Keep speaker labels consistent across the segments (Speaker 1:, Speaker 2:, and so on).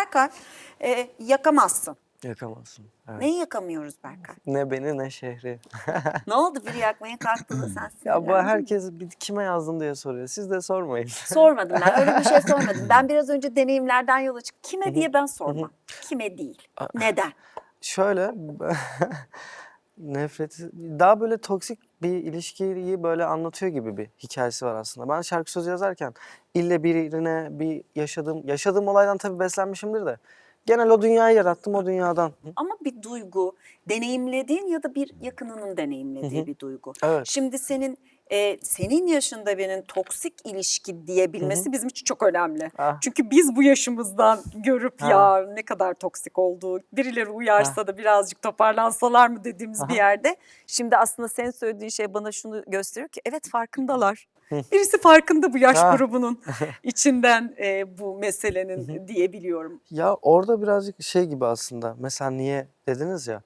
Speaker 1: Berkay, yakamazsın.
Speaker 2: Yakamazsın. Evet.
Speaker 1: Neyi yakamıyoruz Berkay?
Speaker 2: Ne beni ne şehri.
Speaker 1: Ne oldu biri yakmaya kalktığında sen
Speaker 2: Ya bu
Speaker 1: sinirlendin mi?
Speaker 2: herkes kime yazdım diye soruyor. Siz de sormayın.
Speaker 1: Sormadım ben. Öyle bir şey sormadım. Ben biraz önce deneyimlerden yola çık. Kime diye ben sormam. Kime değil. Neden?
Speaker 2: Şöyle nefreti daha böyle toksik bir ilişkiyi böyle anlatıyor gibi bir hikayesi var aslında. Ben şarkı sözü yazarken ille birine bir yaşadığım olaydan tabii beslenmişimdir de genel o dünyayı yarattım o dünyadan.
Speaker 1: Ama bir duygu, deneyimlediğin ya da bir yakınının deneyimlediği bir duygu.
Speaker 2: Evet.
Speaker 1: Şimdi senin yaşında birinin toksik ilişki diyebilmesi bizim için çok önemli.
Speaker 2: Ah.
Speaker 1: Çünkü biz bu yaşımızdan görüp ya ne kadar toksik olduğu, birileri uyarsa da birazcık toparlansalar mı dediğimiz bir yerde. Şimdi aslında senin söylediğin şey bana şunu gösteriyor ki evet farkındalar. Birisi farkında bu yaş grubunun içinden bu meselenin diyebiliyorum.
Speaker 2: Ya orada birazcık şey gibi aslında. Mesela niye dediniz ya.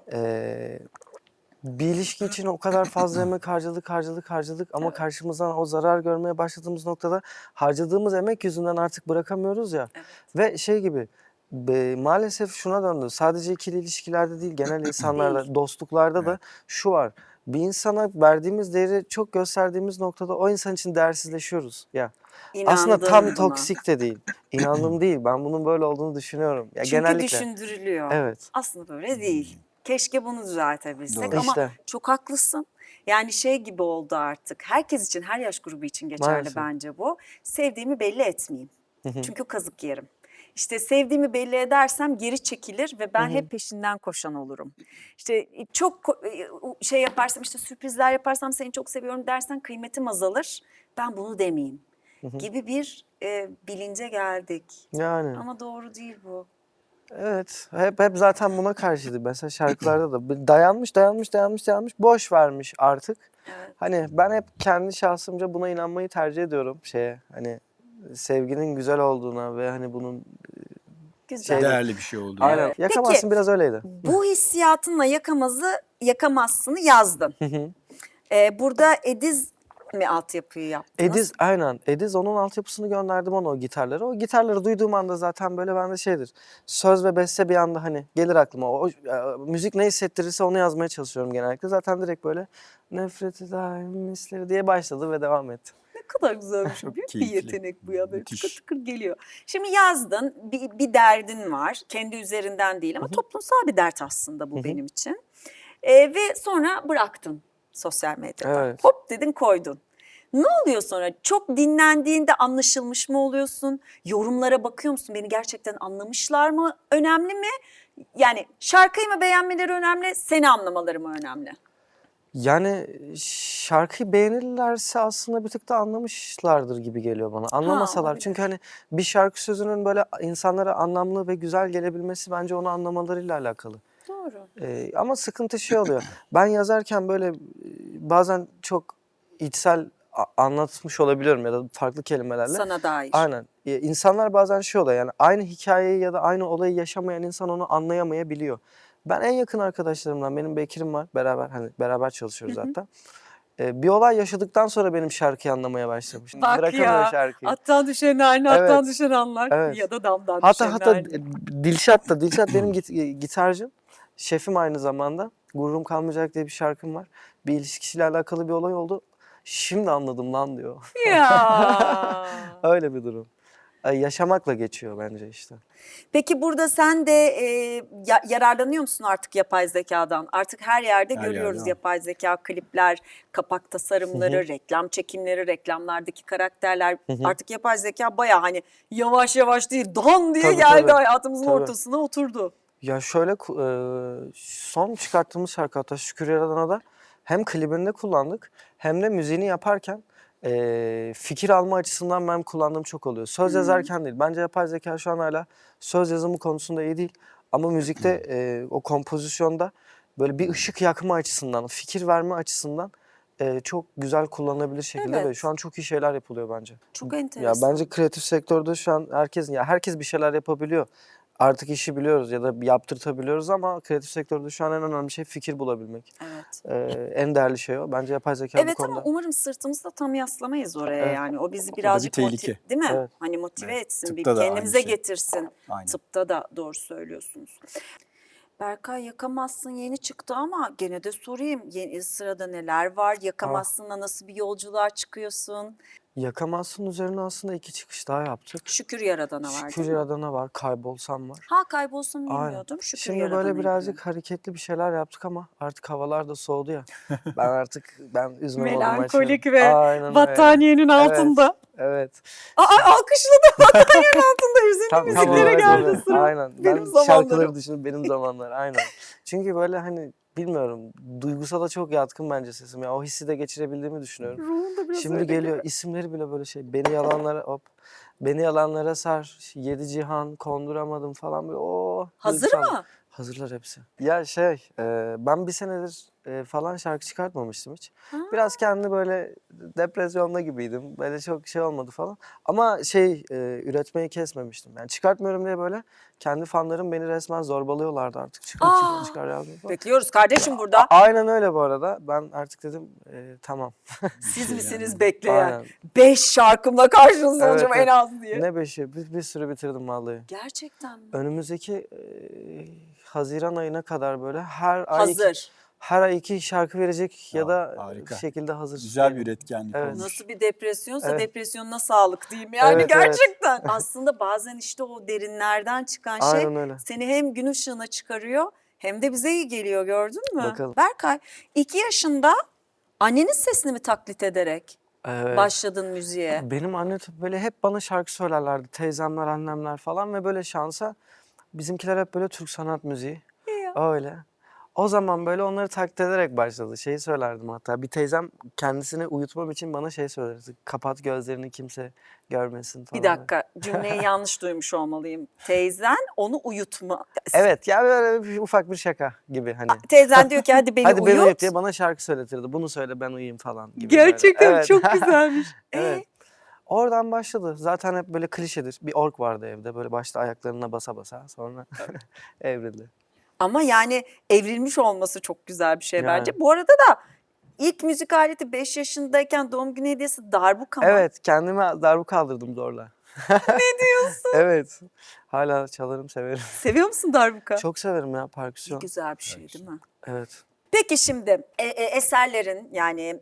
Speaker 2: Bir ilişki için o kadar fazla emek harcadık ama karşımızdan o zarar görmeye başladığımız noktada harcadığımız emek yüzünden artık bırakamıyoruz ya.
Speaker 1: Evet.
Speaker 2: Ve şey gibi maalesef şuna döndü. Sadece ikili ilişkilerde değil genel insanlarda, dostluklarda da şu var. Bir insana verdiğimiz değeri çok gösterdiğimiz noktada o insan için değersizleşiyoruz ya. Aslında
Speaker 1: İnandım
Speaker 2: tam
Speaker 1: buna.
Speaker 2: toksik de değil. İnandım değil. Ben bunun böyle olduğunu düşünüyorum. Ya
Speaker 1: Çünkü
Speaker 2: genellikle.
Speaker 1: düşündürülüyor.
Speaker 2: Evet.
Speaker 1: Aslında böyle değil. Keşke bunu düzeltebilsek
Speaker 2: Doğru.
Speaker 1: ama
Speaker 2: İşte.
Speaker 1: çok haklısın. Yani şey gibi oldu artık. Herkes için, her yaş grubu için geçerli
Speaker 2: Maalesef.
Speaker 1: bence bu. Sevdiğimi belli etmeyeyim. Çünkü kazık yerim. İşte sevdiğimi belli edersem geri çekilir ve ben hep peşinden koşan olurum. İşte çok şey yaparsam, işte sürprizler yaparsam seni çok seviyorum dersen kıymetim azalır. Ben bunu demeyeyim gibi bir bilince geldik.
Speaker 2: Yani.
Speaker 1: Ama doğru değil bu.
Speaker 2: Evet, hep zaten buna karşıydı. Mesela şarkılarda da dayanmış, boş vermiş artık.
Speaker 1: Evet.
Speaker 2: Hani ben hep kendi şahsımca buna inanmayı tercih ediyorum hani sevginin güzel olduğuna ve hani bunun
Speaker 1: Güzel.
Speaker 3: Değerli bir şey oldu.
Speaker 2: aynen
Speaker 1: Evet.
Speaker 2: yakamazsın
Speaker 1: Peki,
Speaker 2: biraz öyleydi.
Speaker 1: bu hissiyatınla yakamazsını yazdın. Burada Ediz mi altyapıyı yaptınız?
Speaker 2: Ediz onun altyapısını gönderdim ona o gitarları. O gitarları duyduğum anda zaten böyle bende şeydir. Söz ve beste bir anda hani gelir aklıma. Müzik ne hissettirirse onu yazmaya çalışıyorum genellikle. Zaten direkt böyle nefreti daim misleri diye başladı ve devam etti.
Speaker 1: Ne kadar güzelmiş.
Speaker 3: Çok
Speaker 1: Büyük bir
Speaker 3: keyifli.
Speaker 1: yetenek bu ya. Böyle
Speaker 3: Müthiş.
Speaker 1: tıkır tıkır geliyor. Şimdi yazdın, bir derdin var. Kendi üzerinden değil ama toplumsal bir dert aslında bu benim için. Ve sonra bıraktın sosyal medyada.
Speaker 2: Evet.
Speaker 1: Hop dedin koydun. Ne oluyor sonra? Çok dinlendiğinde anlaşılmış mı oluyorsun? Yorumlara bakıyor musun? Beni gerçekten anlamışlar mı? Önemli mi? Yani şarkıyı mı beğenmeleri önemli, seni anlamaları mı önemli?
Speaker 2: Yani şarkıyı beğenirlerse aslında bir tık da anlamışlardır gibi geliyor bana. Anlamasalar
Speaker 1: olabilir.
Speaker 2: çünkü hani bir şarkı sözünün böyle insanlara anlamlı ve güzel gelebilmesi bence onu anlamalarıyla alakalı.
Speaker 1: Doğru.
Speaker 2: Ama sıkıntı şey oluyor. Ben yazarken böyle bazen çok içsel anlatmış olabiliyorum ya da farklı kelimelerle.
Speaker 1: Sana dair.
Speaker 2: Aynen. İnsanlar bazen şey oluyor yani aynı hikayeyi ya da aynı olayı yaşamayan insan onu anlayamayabiliyor. Ben en yakın arkadaşlarımdan benim Bekir'im var beraber çalışıyoruz hatta. Bir olay yaşadıktan sonra benim şarkıyı anlamaya başlamış.
Speaker 1: Bak
Speaker 2: Bırakamıyor
Speaker 1: ya,
Speaker 2: şarkıyı.
Speaker 1: attan düşen haline
Speaker 2: Evet.
Speaker 1: attan düşen anlar
Speaker 2: Evet.
Speaker 1: ya da damdan
Speaker 2: Hatta
Speaker 1: düşen
Speaker 2: hatta
Speaker 1: haline.
Speaker 2: Dilşat benim gitarcım. Şefim aynı zamanda. Gururum Kalmayacak diye bir şarkım var. Bir ilişkisiyle alakalı bir olay oldu. Şimdi anladım lan diyor.
Speaker 1: Ya.
Speaker 2: Öyle bir durum. Yaşamakla geçiyor bence işte.
Speaker 1: Peki burada sen de yararlanıyor musun artık yapay zekadan? Artık her yerde
Speaker 3: Her
Speaker 1: görüyoruz
Speaker 3: yerde var.
Speaker 1: yapay zeka klipler, kapak tasarımları, reklam çekimleri, reklamlardaki karakterler. Artık yapay zeka bayağı hani yavaş yavaş değil, don diye
Speaker 2: Tabii,
Speaker 1: geldi
Speaker 2: tabii.
Speaker 1: hayatımızın
Speaker 2: Tabii.
Speaker 1: ortasına oturdu.
Speaker 2: Ya şöyle son çıkarttığımız şarkı hatta Şükür Yaradan'a da hem klibinde kullandık hem de müziğini yaparken fikir alma açısından ben kullandığım çok oluyor. Söz yazarken değil. Bence yapay zeka şu an hala söz yazımı konusunda iyi değil. Ama müzikte o kompozisyonda böyle bir ışık yakma açısından, fikir verme açısından çok güzel kullanılabilir şekilde ve
Speaker 1: Evet.
Speaker 2: şu an çok iyi şeyler yapılıyor bence.
Speaker 1: Çok
Speaker 2: Ya
Speaker 1: enteresan.
Speaker 2: bence kreatif sektörde şu an herkes bir şeyler yapabiliyor. artık işi biliyoruz ya da yaptırtabiliyoruz ama kreatif sektörde şu an en önemli şey fikir bulabilmek.
Speaker 1: Evet.
Speaker 2: En değerli şey o. Bence yapay zeka bu
Speaker 1: Evet ama
Speaker 2: konuda.
Speaker 1: umarım sırtımızda tam yaslamayız oraya
Speaker 2: Evet.
Speaker 1: yani. O bizi
Speaker 3: bir
Speaker 1: birazcık
Speaker 3: tehlike.
Speaker 1: değil mi?
Speaker 2: Evet.
Speaker 1: Hani motive
Speaker 3: Evet.
Speaker 1: etsin, bir
Speaker 3: Tıpta da aynı
Speaker 1: kendimize
Speaker 3: şey.
Speaker 1: getirsin.
Speaker 3: Aynen.
Speaker 1: Tıpta da doğru söylüyorsunuz. Berkay, Yakamazsın yeni çıktı ama gene de sorayım. Yeni sırada neler var? Yakamazsın'la nasıl bir yolculuğa çıkıyorsun?
Speaker 2: Yakamazsın üzerine aslında 2 çıkış daha yaptık.
Speaker 1: Şükür Yaradana var
Speaker 2: Şükür
Speaker 1: değil mi?
Speaker 2: Yaradan'a var, Kaybolsam var.
Speaker 1: Ha, Kaybolsam
Speaker 2: Aynen.
Speaker 1: bilmiyordum. Şükür
Speaker 2: Şimdi
Speaker 1: Yaradan'a
Speaker 2: böyle
Speaker 1: ilgili.
Speaker 2: birazcık hareketli bir şeyler yaptık ama artık havalar da soğudu ya. Ben üzme moduma
Speaker 1: Melankolik
Speaker 2: açıyorum.
Speaker 1: ve
Speaker 2: Aynen öyle.
Speaker 1: battaniyenin altında.
Speaker 2: Evet.
Speaker 1: Aa, alkışladı, battaniyenin altında hüzünlü müziklere
Speaker 2: olarak
Speaker 1: geldi
Speaker 2: öyle.
Speaker 1: sıra.
Speaker 2: Aynen.
Speaker 1: Benim
Speaker 2: Ben
Speaker 1: zamanlarım.
Speaker 2: şarkıları düşünüp benim zamanlar aynen. Çünkü böyle hani bilmiyorum duygusala çok yatkın bence sesim. Ya o hissi de geçirebildiğimi düşünüyorum.
Speaker 1: Ruhun da biraz
Speaker 2: Şimdi
Speaker 1: öyle
Speaker 2: geliyor
Speaker 1: gibi.
Speaker 2: isimleri bile böyle şey. Beni yalanlara sar. 7 cihan konduramadım falan böyle.
Speaker 1: Hazır
Speaker 2: duygusal.
Speaker 1: mı?
Speaker 2: Hazırlar hepsi. Ya ben bir senedir falan şarkı çıkartmamıştım hiç.
Speaker 1: Ha.
Speaker 2: Biraz kendi böyle depresyonda gibiydim. Böyle çok şey olmadı falan. Ama üretmeyi kesmemiştim. Yani çıkartmıyorum diye böyle kendi fanlarım beni resmen zorbalıyorlardı artık.
Speaker 1: Aa.
Speaker 2: Çıkar yazma falan.
Speaker 1: Bekliyoruz kardeşim burada.
Speaker 2: Aynen öyle bu arada. Ben artık dedim tamam.
Speaker 1: Siz
Speaker 3: şey
Speaker 1: misiniz
Speaker 3: yani.
Speaker 1: bekleyen?
Speaker 2: Aynen.
Speaker 1: 5 şarkımla karşınızda
Speaker 2: Evet,
Speaker 1: olacağım en
Speaker 2: evet.
Speaker 1: az diye.
Speaker 2: Ne beşi? Bir sürü bitirdim vallahi.
Speaker 1: Gerçekten mi?
Speaker 2: Önümüzdeki Haziran ayına kadar böyle
Speaker 1: Hazır.
Speaker 2: her ay 2 şarkı verecek ya da
Speaker 3: Harika.
Speaker 2: bir şekilde hazır.
Speaker 3: Güzel bir
Speaker 2: değilim.
Speaker 3: üretkenlik
Speaker 2: Evet.
Speaker 3: olmuş.
Speaker 1: Nasıl bir depresyonsa
Speaker 2: Evet.
Speaker 1: depresyonuna sağlık diyeyim yani
Speaker 2: Evet, evet.
Speaker 1: gerçekten. Aslında bazen işte o derinlerden çıkan şey
Speaker 2: Aynen öyle.
Speaker 1: seni hem gün ışığına çıkarıyor hem de bize iyi geliyor, gördün mü?
Speaker 2: Bakalım.
Speaker 1: Berkay, 2 yaşında annenin sesini mi taklit ederek
Speaker 2: Evet.
Speaker 1: başladın müziğe?
Speaker 2: Benim anne böyle hep bana şarkı söylerlerdi. Teyzemler, annemler falan ve böyle şansa bizimkiler hep böyle Türk sanat müziği.
Speaker 1: Ya.
Speaker 2: Öyle. O zaman böyle onları taklit ederek başladı. Şeyi söylerdim hatta. Bir teyzem kendisini uyutmam için bana şey söylerdi. Kapat gözlerini kimse görmesin falan.
Speaker 1: Bir dakika, cümleyi yanlış duymuş olmalıyım. Teyzen onu uyutma.
Speaker 2: Evet ya böyle ufak bir şaka gibi hani.
Speaker 1: Teyzen diyor ki hadi beni
Speaker 2: Hadi beni
Speaker 1: uyut.
Speaker 2: uyut diye bana şarkı söyletirdi. Bunu söyle ben uyuyayım falan gibi.
Speaker 1: Gerçekten
Speaker 2: böyle.
Speaker 1: çok güzelmiş.
Speaker 2: Evet. Oradan başladı. Zaten hep böyle klişedir. Bir org vardı evde. Böyle başta ayaklarına basa basa sonra evrildi.
Speaker 1: Ama yani evrilmiş olması çok güzel bir şey
Speaker 2: Yani.
Speaker 1: bence. Bu arada da ilk müzik aleti 5 yaşındayken doğum günü hediyesi darbuka mı?
Speaker 2: Evet kendime darbuka kaldırdım zorla.
Speaker 1: Ne diyorsun?
Speaker 2: Evet. Hala çalarım severim.
Speaker 1: Seviyor musun darbuka?
Speaker 2: Çok severim ya
Speaker 1: Ne
Speaker 2: perküsyon.
Speaker 1: güzel bir şey değil mi?
Speaker 2: Evet.
Speaker 1: Peki şimdi eserlerin yani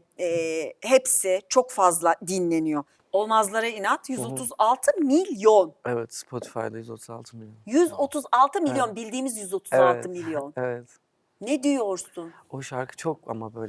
Speaker 1: hepsi çok fazla dinleniyor. Olmazlara inat 136 milyon.
Speaker 2: Evet Spotify'da 136 milyon.
Speaker 1: 136 milyon bildiğimiz 136
Speaker 2: Evet.
Speaker 1: milyon.
Speaker 2: Evet.
Speaker 1: Ne diyorsun?
Speaker 2: O şarkı çok ama böyle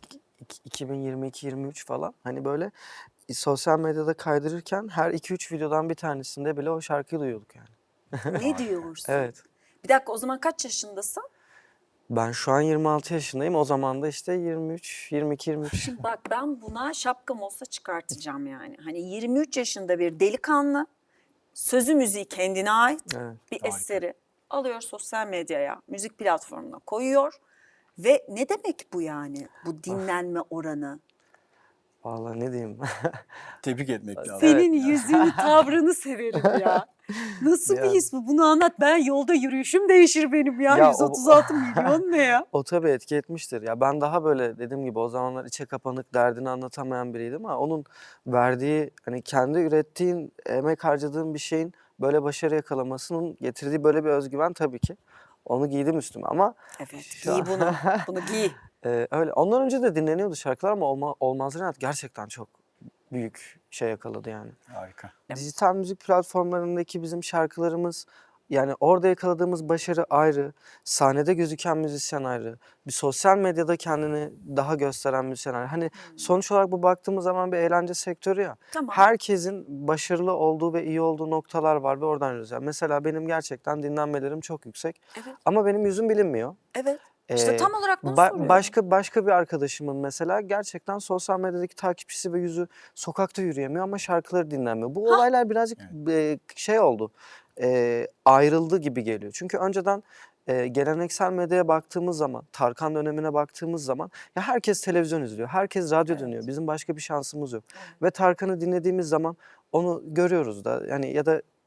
Speaker 2: 2022-23 falan hani böyle sosyal medyada kaydırırken her 2-3 videodan bir tanesinde bile o şarkıyı duyuyorduk yani.
Speaker 1: Ne diyorsun?
Speaker 2: Evet.
Speaker 1: Bir dakika, o zaman kaç yaşındasın?
Speaker 2: Ben şu an 26 yaşındayım. O zaman da işte 22-23.
Speaker 1: Şimdi bak, ben buna şapkam olsa çıkartacağım yani. Hani 23 yaşında bir delikanlı, sözü müziği kendine ait
Speaker 2: Evet.
Speaker 1: bir
Speaker 3: Harika.
Speaker 1: eseri alıyor, sosyal medyaya, müzik platformuna koyuyor. Ve ne demek bu yani? Bu dinlenme oranı.
Speaker 2: Vallahi ne diyeyim.
Speaker 3: Tebrik etmek lazım.
Speaker 1: Senin yüzünü, tavrını severim ya. Nasıl bir
Speaker 2: Ya.
Speaker 1: his bu? Bunu anlat. Ben yolda yürüyüşüm değişir benim ya.
Speaker 2: Ya o-
Speaker 1: 136 milyon ne ya?
Speaker 2: O tabii etki etmiştir. Ya ben daha böyle dediğim gibi o zamanlar içe kapanık, derdini anlatamayan biriydim ama onun verdiği hani kendi ürettiğin, emek harcadığın bir şeyin böyle başarı yakalamasının getirdiği böyle bir özgüven tabii ki. Onu giydim üstüme ama
Speaker 1: Evet,
Speaker 2: Şu
Speaker 1: giy
Speaker 2: an-
Speaker 1: bunu. Bunu giy.
Speaker 2: öyle. Ondan önce de dinleniyordu şarkılar ama Olmazlar İnat gerçekten çok büyük şey yakaladı yani.
Speaker 3: Harika.
Speaker 2: Dijital müzik platformlarındaki bizim şarkılarımız yani orada yakaladığımız başarı ayrı, sahnede gözüken müzisyen ayrı, bir sosyal medyada kendini daha gösteren müzisyen ayrı. Hani sonuç olarak bu baktığımız zaman bir eğlence sektörü ya.
Speaker 1: Tamam.
Speaker 2: Herkesin başarılı olduğu ve iyi olduğu noktalar var ve oradan yürüyoruz. Yani mesela benim gerçekten dinlenmelerim çok yüksek
Speaker 1: Evet,
Speaker 2: ama benim yüzüm bilinmiyor.
Speaker 1: evet. İşte
Speaker 2: Ee,
Speaker 1: tam olarak bunu soruyorum.
Speaker 2: başka bir arkadaşımın mesela gerçekten sosyal medyadaki takipçisi ve yüzü sokakta yürüyemiyor ama şarkıları dinlenmiyor. Bu olaylar birazcık şey oldu, ayrıldı gibi geliyor. Çünkü önceden geleneksel medyaya baktığımız zaman, Tarkan dönemine baktığımız zaman ya herkes televizyon izliyor, herkes radyo dinliyor. Bizim başka bir şansımız yok. Ve Tarkan'ı dinlediğimiz zaman onu görüyoruz da yani ya da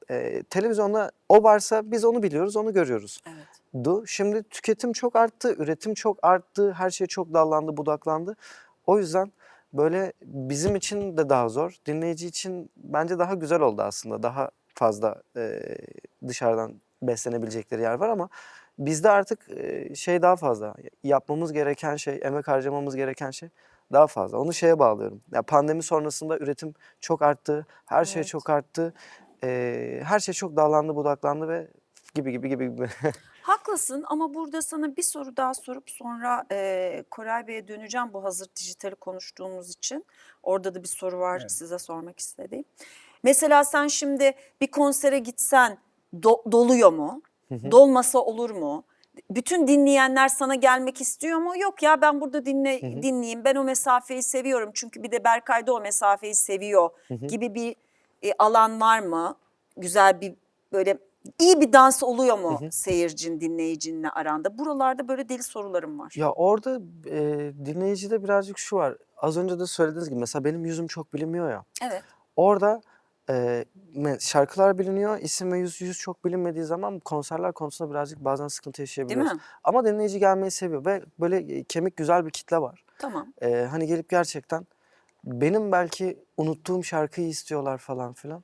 Speaker 2: televizyonda o varsa biz onu biliyoruz, onu görüyoruz.
Speaker 1: Evet.
Speaker 2: Şimdi tüketim çok arttı, üretim çok arttı, her şey çok dallandı, budaklandı. O yüzden böyle bizim için de daha zor, dinleyici için bence daha güzel oldu aslında. Daha fazla dışarıdan beslenebilecekleri yer var ama bizde artık şey daha fazla. Yapmamız gereken şey, emek harcamamız gereken şey daha fazla. Onu şeye bağlıyorum. Ya pandemi sonrasında üretim çok arttı, her şey
Speaker 1: Evet.
Speaker 2: çok arttı. Her şey çok dallandı, budaklandı ve gibi.
Speaker 1: Haklısın ama burada sana bir soru daha sorup sonra Koray Bey'e döneceğim bu hazır dijitali konuştuğumuz için. Orada da bir soru var
Speaker 3: Evet.
Speaker 1: size sormak istediğim. Mesela sen şimdi bir konsere gitsen doluyor mu? Dolmasa olur mu? Bütün dinleyenler sana gelmek istiyor mu? Yok ya ben burada dinleyeyim. Ben o mesafeyi seviyorum. Çünkü bir de Berkay da o mesafeyi seviyor gibi bir alan var mı? Güzel bir böyle iyi bir dans oluyor mu seyircin, dinleyicinle aranda? Buralarda böyle deli sorularım var.
Speaker 2: Ya orada dinleyicide birazcık şu var. Az önce de söylediğiniz gibi mesela benim yüzüm çok bilinmiyor ya.
Speaker 1: Evet.
Speaker 2: Orada şarkılar biliniyor, isim ve yüz çok bilinmediği zaman konserler konusunda birazcık bazen sıkıntı yaşayabiliyoruz.
Speaker 1: mi?
Speaker 2: Ama dinleyici gelmeyi seviyor ve böyle kemik güzel bir kitle var.
Speaker 1: Tamam.
Speaker 2: Hani gelip gerçekten benim belki unuttuğum şarkıyı istiyorlar falan filan.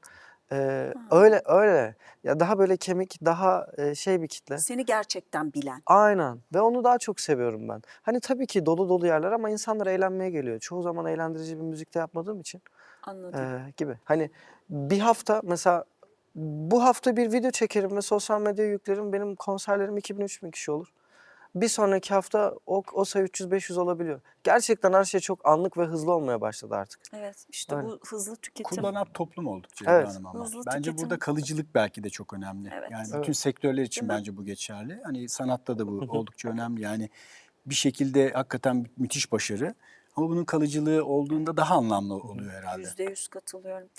Speaker 2: Öyle. Ya daha böyle kemik, daha şey bir kitle.
Speaker 1: Seni gerçekten bilen.
Speaker 2: Aynen ve onu daha çok seviyorum ben. Hani tabii ki dolu dolu yerler ama insanlar eğlenmeye geliyor. Çoğu zaman eğlendirici bir müzikte yapmadığım için
Speaker 1: Anladım.
Speaker 2: gibi. Hani bir hafta mesela bu hafta bir video çekerim ve sosyal medyaya yüklerim. Benim konserlerim 2000-3000 kişi olur. Bir sonraki hafta o sayı 300-500 olabiliyor. Gerçekten her şey çok anlık ve hızlı olmaya başladı artık.
Speaker 1: Evet işte
Speaker 2: Öyle.
Speaker 1: bu hızlı tüketim.
Speaker 3: Kullanan toplum olduk Ceyda
Speaker 2: Evet.
Speaker 3: Hanım ama.
Speaker 1: Hızlı
Speaker 3: Bence
Speaker 1: tüketim.
Speaker 3: burada kalıcılık belki de çok önemli.
Speaker 1: Evet.
Speaker 3: Yani
Speaker 2: Evet.
Speaker 3: bütün sektörler için
Speaker 1: Değil mi?
Speaker 3: bence bu geçerli. Hani sanatta da bu oldukça önemli. Yani bir şekilde hakikaten müthiş başarı. Ama bunun kalıcılığı olduğunda daha anlamlı oluyor herhalde.
Speaker 1: %100 katılıyorum.